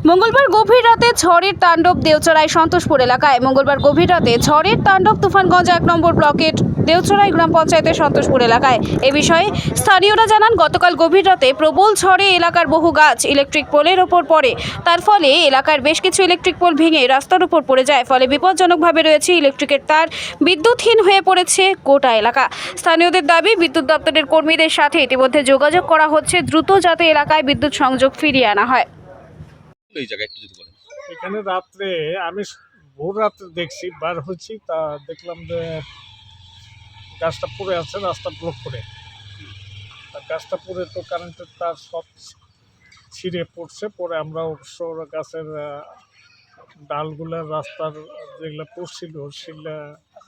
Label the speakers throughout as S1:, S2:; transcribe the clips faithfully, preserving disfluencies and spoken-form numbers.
S1: মঙ্গলবার গভীর রাতে ঝড়ের তাণ্ডব দেওচড়ায় সন্তোষপুর এলাকায়। মঙ্গলবার গভীর রাতে ঝড়ের তাণ্ডব তুফানগঞ্জ এক নম্বর ব্লকের দেওচড়াই গ্রাম পঞ্চায়েতের সন্তোষপুর এলাকায়। এ বিষয়ে স্থানীয়রা জানান, গতকাল গভীর রাতে প্রবল ঝড়ে এলাকার বহু গাছ ইলেকট্রিক পোলের ওপর পড়ে। তার ফলে এলাকার বেশ কিছু ইলেকট্রিক পোল ভেঙে রাস্তার উপর পড়ে যায়। ফলে বিপজ্জনকভাবে রয়েছে ইলেকট্রিকের তার, বিদ্যুৎহীন হয়ে পড়েছে গোটা এলাকা। স্থানীয়দের দাবি, বিদ্যুৎ দপ্তরের কর্মীদের সাথে ইতিমধ্যে যোগাযোগ করা হচ্ছে দ্রুত যাতে এলাকায় বিদ্যুৎ সংযোগ ফিরিয়ে আনা হয়।
S2: এই জায়গায় একটু যদি বলেন।
S3: এখানে রাত্রে আমি ভোর রাত্রে দেখছি, বার হচ্ছি, তা দেখলাম যে গাছটা পড়ে আছে রাস্তা ব্লক করে। তা গাছটা পড়ে তো কারেন্টের তার সব ছিঁড়ে পড়ছে। পরে আমরা অবশ্য গাছের ডালগুলা রাস্তার যেগুলো পড়ছিল সেগুলা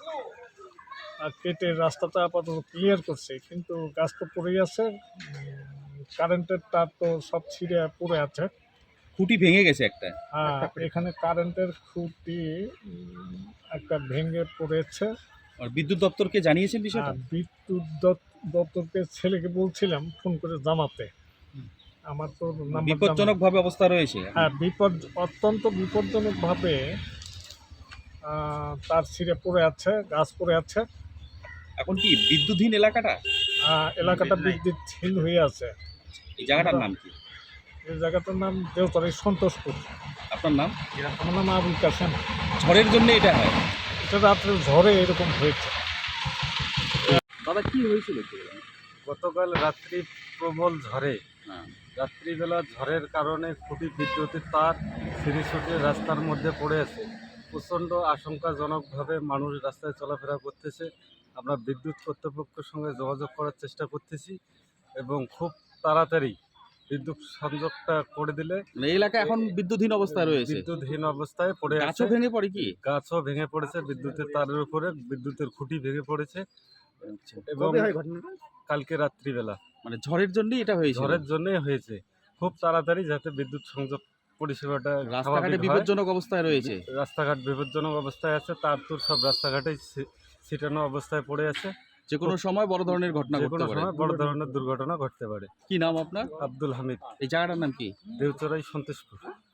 S3: কেটে রাস্তাটা আপাতত ক্লিয়ার করছে, কিন্তু গাছ তো পড়েই আছে। কারেন্টের তার তো সব ছিঁড়ে পড়ে আছে।
S2: খুঁটি ভেঙে গেছে একটা।
S3: হ্যাঁ, এখানে কারেন্টের খুঁটি উম, একটা ভেঙে পড়েছে।
S2: আর বিদ্যুৎ দপ্তরকে জানিয়েছেন বিষয়টা?
S3: আর বিদ্যুৎ দপ- দপ্তরকে ছেলেকে বলছিলাম ফোন করে জানাতে। আমার তো নাম্বার জানা-
S2: বিপজ্জনক ভাবে অবস্থা রয়েছে।
S3: হ্যাঁ, বিপদ অত্যন্ত বিপজ্জনকভাবে আহ, তার ছিঁড়ে পড়ে আছে, গাছ পড়ে আছে।
S2: এখন কি বিদ্যুৎহীন এলাকাটা?
S3: আহ, এলাকাটা বিদ্যুৎহীন হয়ে আছে।
S2: এই জায়গাটার নাম কি?
S3: এই জায়গাটার নাম দেওচড়াই সন্তোষপুর।
S2: আপনার নাম?
S3: আমার নাম আবুল কাসেম।
S2: ঝড়ের জন্য এটা হয়?
S3: এটা রাত্রে ঝড়ে এরকম হয়েছে।
S2: দাদা কি হয়েছিল একটু বলুন।
S4: গতকাল রাত্রি প্রবল ঝড়ে
S2: হ্যাঁ।
S4: রাত্রিবেলা ঝড়ের কারণে খুঁটি বিদ্যুতের তার সিঁড়ি ছুটে রাস্তার মধ্যে পড়ে আছে। প্রচণ্ড আশঙ্কাজনকভাবে মানুষ রাস্তায় চলাফেরা করতেছে। আমরা বিদ্যুৎ কর্তৃপক্ষের সঙ্গে যোগাযোগ করার চেষ্টা করতেছি এবং খুব তাড়াতাড়ি বিদ্যুৎ সংযোগটা করে দিলে
S2: মানে এই এলাকা এখন বিদ্যুৎহীন অবস্থায় রয়েছে।
S4: বিদ্যুৎহীন অবস্থায় পড়ে আছে।
S2: গাছও ভেঙে পড়ে কি?
S4: গাছও ভেঙে পড়েছে, বিদ্যুতের তারের উপরে বিদ্যুতের খুঁটি ভেঙে পড়েছে এবং কালকে রাত্রিবেলা
S2: মানে ঝড়ের জন্যই এটা হয়েছে?
S4: ঝড়ের জন্যই হয়েছে। খুব তাড়াতাড়ি যাতে বিদ্যুৎ সংযোগ পরিষেবাটা
S2: রাস্তাঘাটে
S4: স্বাভাবিক হয়।
S2: বিপজ্জনক অবস্থায় রয়েছে।
S4: রাস্তাঘাট বিপজ্জনক অবস্থায় আছে, তার তোর সব রাস্তাঘাটেই ছি- ছিটানো অবস্থায় পড়ে আছে।
S2: যে কোনো সময় বড় ধরনের ঘটনা
S4: যে
S2: ঘটতে
S4: কোনো
S2: পারে।
S4: সময় বড় ধরনের দুর্ঘটনা ঘটতে পারে।
S2: কি নাম আপনার?
S4: আব্দুল হামিদ,
S2: এই জায়গাটার নাম কি?
S4: দেওচড়াই সন্তোষপুর।